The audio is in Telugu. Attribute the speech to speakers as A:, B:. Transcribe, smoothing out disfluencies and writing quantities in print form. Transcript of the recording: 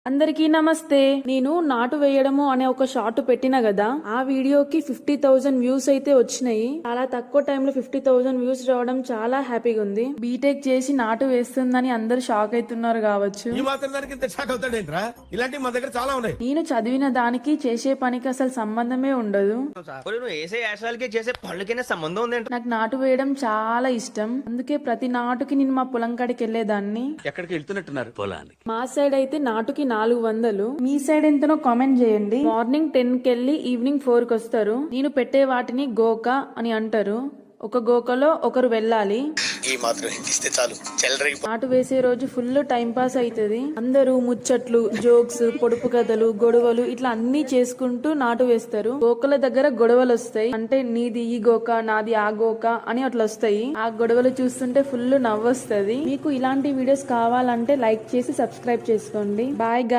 A: అందరికీ నమస్తే. నేను నాటు వేయడము అనే ఒక షార్ట్ పెట్టిన కదా, ఆ వీడియోకి 50,000 వ్యూస్ అయితే వచ్చినాయి. చాలా తక్కువ టైంలో 50,000 వ్యూస్ రావడం చాలా హ్యాపీగా ఉంది. బీటెక్ చేసి నాటు వేస్తుందని అందరు షాక్ అవుతున్నారు కావచ్చు. నేను చదివిన దానికి చేసే పనికి అసలు సంబంధమే ఉండదు. నాకు నాటు వేయడం చాలా ఇష్టం. అందుకే ప్రతి నాటుకి నేను మా పొలం కాడికి వెళ్లేదాన్ని.
B: ఎక్కడికి వెళ్తున్నట్టున్నారు పొలాన్ని?
A: మా సైడ్ అయితే నాటుకి 400. మీ సైడ్ ఎంతనో కామెంట్ చేయండి. మార్నింగ్ 10 కెళ్ళి ఈవినింగ్ 4 కి వస్తారు. నేను పెట్టే వాటిని గోక అని అంటారు. ఒక గోకలో ఒకరు వెళ్ళాలి.
C: ఈ మాత్రం హిందిస్తే చాలు.
A: నాటు వేసే రోజు ఫుల్ టైం పాస్ అవుతుంది. అందరూ ముచ్చట్లు, జోక్స్, పొడుపు కథలు, గొడవలు ఇట్లా అన్ని చేసుకుంటూ నాటు వేస్తారు. గోకల దగ్గర గొడవలు వస్తాయి. అంటే నీది ఈ గోక, నాది ఆ గోక అని అట్లా వస్తాయి. ఆ గొడవలు చూస్తుంటే ఫుల్ నవ్వు వస్తుంది. మీకు ఇలాంటి వీడియోస్ కావాలంటే లైక్ చేసి సబ్స్క్రైబ్ చేసుకోండి. బాయ్.